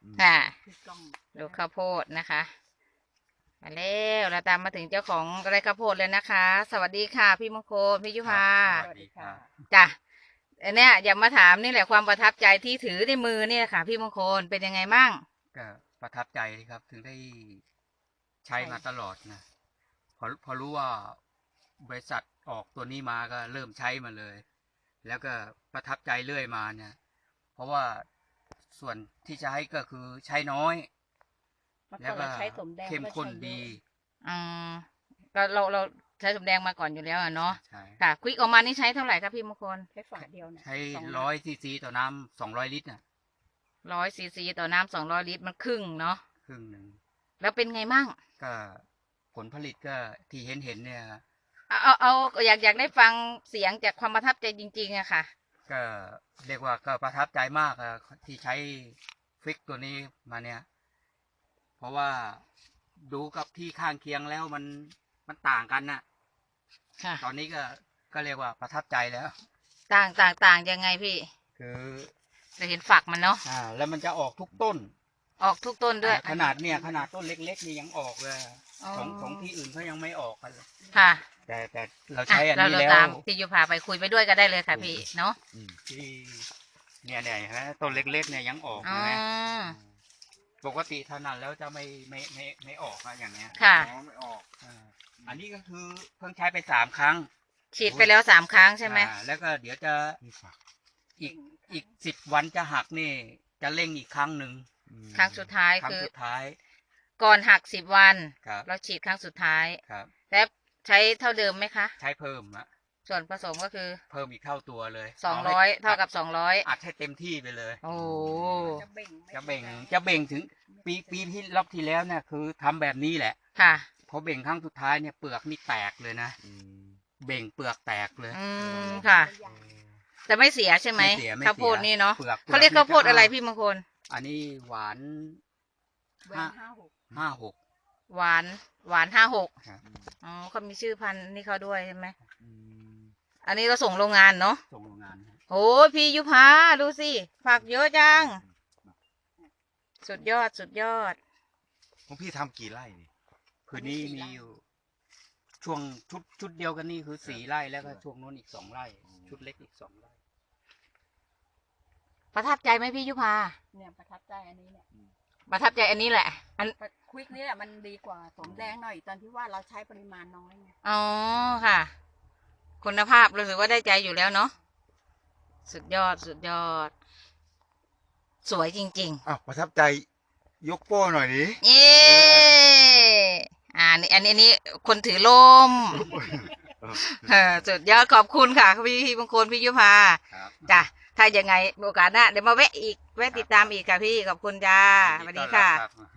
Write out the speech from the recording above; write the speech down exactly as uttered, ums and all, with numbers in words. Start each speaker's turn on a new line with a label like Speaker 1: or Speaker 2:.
Speaker 1: ค่ะดูข้าวโพดนะคะมาแล้วเราตามมาถึงเจ้าของไร่ข้าวโพดเลยนะคะ สวัสดีค่ะพี่มงคลพี่ยุพา
Speaker 2: สวัสดีค่ะ
Speaker 1: จ้ะอันเนี้ยอยากมาถามนี่แหละความประทับใจที่ถือในมือเนี่ยค่ะ พี่มงคลเป็นยังไงมั่ง
Speaker 2: ก็ประทับใจครับถึงได้ใช้มาตลอดนะพอพอรู้ว่าบริษัทออกตัวนี้มาก็เริ่มใช้มาเลย แล้วก็ประทับใจเรื่อยมาเนี่ยเพราะว่าส่วนที่ใช้ก็คือใช้น้อยแล้วก็เข้มข้นดี
Speaker 1: อืมก็เราเราใช้สมแดงมาก่อนอยู่แล้วเนาะ
Speaker 2: ใช่
Speaker 1: ค่ะควิกออกมานี่ใช้เท่าไหร่ครับพี่มงคล
Speaker 3: ใช้ฝาเดียวนะ
Speaker 2: ใช้ร้อยซีซีต่อน้ำสองร้อยลิตรน่ะ
Speaker 1: ร้อยซีซีต่อน้ำสองร้อยลิตรมันครึ่งเนาะ
Speaker 2: ครึ่งหนึ่ง
Speaker 1: แล้วเป็นไงมั่ง
Speaker 2: ก็ผลผลิตก็ที่เห็นเห็นเนี่ย
Speaker 1: เอาเอาเอาอยากอยากได้ฟังเสียงจากความประทับใจจริงๆอะค่ะ
Speaker 2: ก็เรียกว่าก็ประทับใจมากอะที่ใช้ฟิกตัวนี้มาเนี่ยเพราะว่าดูกับที่ข้างเคียงแล้วมันมันต่างกันน่ะตอนนี้ก็ก็เรียกว่าประทับใจแล้ว
Speaker 1: ต่างต่างต่างยังไงพี่
Speaker 2: คือ
Speaker 1: จะเห็นฝักมันเนาะ
Speaker 2: อ่าแล้วมันจะออกทุกต้น
Speaker 1: ออกทุกต้นด้วย
Speaker 2: ขนาดเนี่ยขนาดต้นเล็กๆนี่ยังออกเลยของของที่อื่นเขายังไม่ออกกันเลย
Speaker 1: ค่ะ
Speaker 2: แต่แต่เราใช้อันนี้แล้ว
Speaker 1: ที่ยูพาไปคุยไปด้วยก็ได้เลยค่ะพี่เนาะ
Speaker 2: ที่เนี่ยเนี่ยฮะต้นเล็กๆเนี่ยยังออกนะปกติถนัดแล้วจะไม่ไม่ไม่ไม่ออกอะอย่างเงี้ย
Speaker 1: ค่ะ
Speaker 2: ไม่ออกอันนี้ก็คือเพิ่งใช้ไปสามครั้ง
Speaker 1: ฉีดไปแล้วสามครั้งใช่ไหม
Speaker 2: แล้วก็เดี๋ยวจะอีกอีกสิบวันจะหักนี่จะเร่งอีกครั้งหนึ่ง
Speaker 1: ครั้งสุดท้าย
Speaker 2: คือสุดท้าย
Speaker 1: ก่อนหักสิบวันเราฉีดครั้งสุดท้าย
Speaker 2: ครับ
Speaker 1: แล้วใช้เท่าเดิมไหมคะ
Speaker 2: ใช้เพิ่มอะ
Speaker 1: ส่วนผสมก็คือ
Speaker 2: เพิ่มอีกเท่าตัวเลย
Speaker 1: สองร้อยเท่ากับสองร้อย
Speaker 2: อัดให้เต็มที่ไปเลย
Speaker 1: โอ้
Speaker 2: จะเบ่งจะเบ่งถึงปีปีที่รอบที่แล้วเนี่ยคือทำแบบนี้แหละ
Speaker 1: ค่ะ
Speaker 2: พอเบ่งครั้งสุดท้ายเนี่ยเปลือกนี่แตกเลยนะเบ่งเปลือกแตกเลย
Speaker 1: อืมค่ะแต่ไม่เสียใช่ไหมข้าวโพดนี่เนาะเขาเรียกข้าวโพดอะไรพี่มงคล
Speaker 2: อันนี้หวานห้าห้าหก
Speaker 1: หวานหวานห้าหกอ๋อเขามีชื่อพันธุ์นี่เขาด้วยใช่ไหมอันนี้เราส่งโรงงานเนาะ
Speaker 2: ส่งโรงงาน
Speaker 1: โอ้พี่ยุพาดูสิผักเยอะจังสุดยอดสุดยอด
Speaker 4: ของพี่ทำกี่ไร่นี่
Speaker 2: คือนี่มีอยู่ช่วงชุดชุดเดียวกันนี่คือสี่ไร่แล้วก็ช่วงโน้นอีกสองไร่ชุดเล็กอีกสองไร่
Speaker 1: ประทับใจไหมพี่ยุพา
Speaker 3: เนี่ยประทับใจอันนี้เนี่ย
Speaker 1: ประทับใจอันนี้แหละอัน
Speaker 3: ควิกนี่แหละมันดีกว่าสมแดงหน่อยตอนที่ว่าเราใช้ปริมาณน้อยไง
Speaker 1: อ๋อค่ะคุณภาพรู้สึกว่าได้ใจอยู่แล้วเนาะสุดยอดสุดยอดสวยจริง
Speaker 4: ๆอ้าวประทับใจยกโป้หน่อยดิ
Speaker 1: เย้อ่านี่อันนี้อันนี้คนถือลมเออสุดยอดขอบคุณค่ะพี่บางคนพี่ยุพาจ้ะถ้ายังไงโอกาสหน้าเดี๋ยวมาแวะอีกแวะติดตามอีกค่ะพี่ขอบคุณจ้าสวัสดีค่ะ